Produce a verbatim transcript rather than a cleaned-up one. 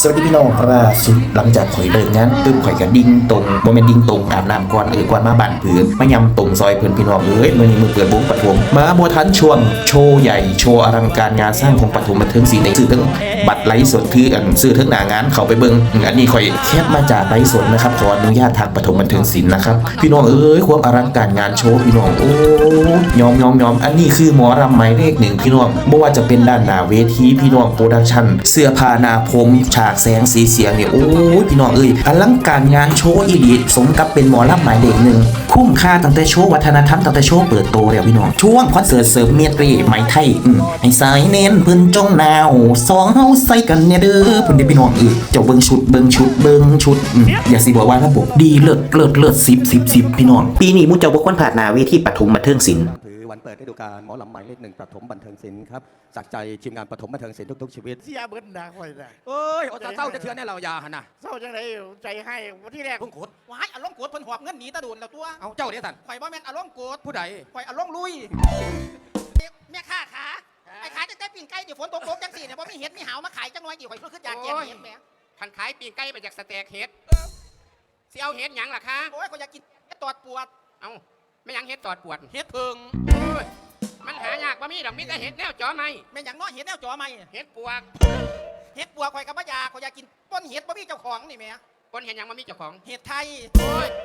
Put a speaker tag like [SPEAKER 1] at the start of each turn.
[SPEAKER 1] สวัสดีพี่น้องล่าสุดหลังจากข่อยเลิกงานตึ้มข่อยกระดิ่งตรงโมเมนดิ่งตรงอาบน้ำก่อนเออก่อนมาบ้านเพื่อนมายำตรงซอยเพื่อนพี่น้องเอ้ยมื่อนี้มือเปิดวงปฐมมาบัวทันช่วงโชว์ใหญ่โชว์อลังการงานสร้างของปฐมบันเทิงศิลป์ในสื่อทั้งบัตรไลฟ์สดคืออันซื้อทั้งหน้างานเขาไปเบิ่งอันนี้ข่อยแคบมาจากไลฟ์สดนะครับขออนุญาตทางปฐมบันเทิงศิลป์นะครับพี่น้องเอ้ยความอลังการงานโชว์พี่น้องโอ้ยอมยอมยอมอันนี้คือหมอรำหมายเลขหนึ่งพี่น้องไม่ว่าจะเป็นด้านหน้าเวทีพี่น้องโปรดักชั่นเสื้อผ้าหน้าผมฉากแสงสีเสียงเนี่ยโอ้ยพี่น้องเอ้ยอลังการงานโชว์อีดีสมกับเป็นหมอรำหมายเลขหนึ่งคุ้มค่าตั้งแต่โชว์วัฒนธรรมตั้งแต่โชว์เปิดโตแล้วพี่น้องช่วงคอนเสิร์ตเสริมเมียตรีไหมไทยอืมให้สายเน้นเพิ่นจงหนาวสองเฮาใส่กันเนี่ยเด้อเพิ่นได้พี่น้องเอ้ยเจ้าเบิ่งชุดเบิ่งชุดเบิ่งชุดอืมอย่าสิบอกว่าระบบดีเลิศเลิศเลิศสิบ สิบ สิบพี่น้องปีนี้มูเจ้าบ่ควรพลาดหน้าเวทีปฐมบันเทิงศิลป์
[SPEAKER 2] ถือวันเปิดฤดูกาลหมอลำหมายเลขหนึ่งปฐมบันเทิงศิลป์ครับจากใจทีมงานปฐมบันเทิงศิลป์ทุกๆชีวิต
[SPEAKER 3] เสียเบิ้ลนะคอยนะ
[SPEAKER 2] เอ้ยโอ้ตาเศร้าจะเชื่อแน่เรายาหันนะ
[SPEAKER 3] เศร้าจังไรใจให้วันที่แรก
[SPEAKER 2] พุ่งโคตร
[SPEAKER 4] ว้ายอารมณ์โกรธเพิ่นหอบเงินหนีตะโดนแล้วตัว
[SPEAKER 2] เอาเจ้าเดี๋ยวสัน
[SPEAKER 4] ข่อยบ่แม่นอารมณ์โกรธ
[SPEAKER 2] ผู้ใด
[SPEAKER 4] ข่อยอารมณ์ลุยแม่ค้าขาไอ้ขายตั้งแต่ปิ้งไก่เดี๋ยวฝนตกตกจังสี่เนี่ยบ่มีเห็ดมีหาวมาขายจังน้อยกี่ข่อยคืออยากแกงเห็ดแหม
[SPEAKER 5] พันขายปีงไก่ไปจากสเต็กเฮ็ดสิเอาเฮ็ดหยังล่ะคะ
[SPEAKER 4] โอ้ยข่อยอยากกินเห็ดตอดปวด
[SPEAKER 5] เอาไม่หยังเฮ็ดตอดปวด
[SPEAKER 4] เห็ดเพิง
[SPEAKER 5] โอ้ยมันหายากบ่มีดอกมีแต่เฮ็ดแนวจอไหม
[SPEAKER 4] แม่นหยังน้อยเห็ดแนวจ่อไหม
[SPEAKER 5] เฮ็ดปวก
[SPEAKER 4] เห็ดปวดข่อยกับบ่อยากข่อยอยากกินต้นเห็ดบ่มีเจ้าของนี่แหม่
[SPEAKER 5] คนเห็นหยังบ่มีเจ้าของ
[SPEAKER 4] เห็ดไทย
[SPEAKER 5] โอ้ย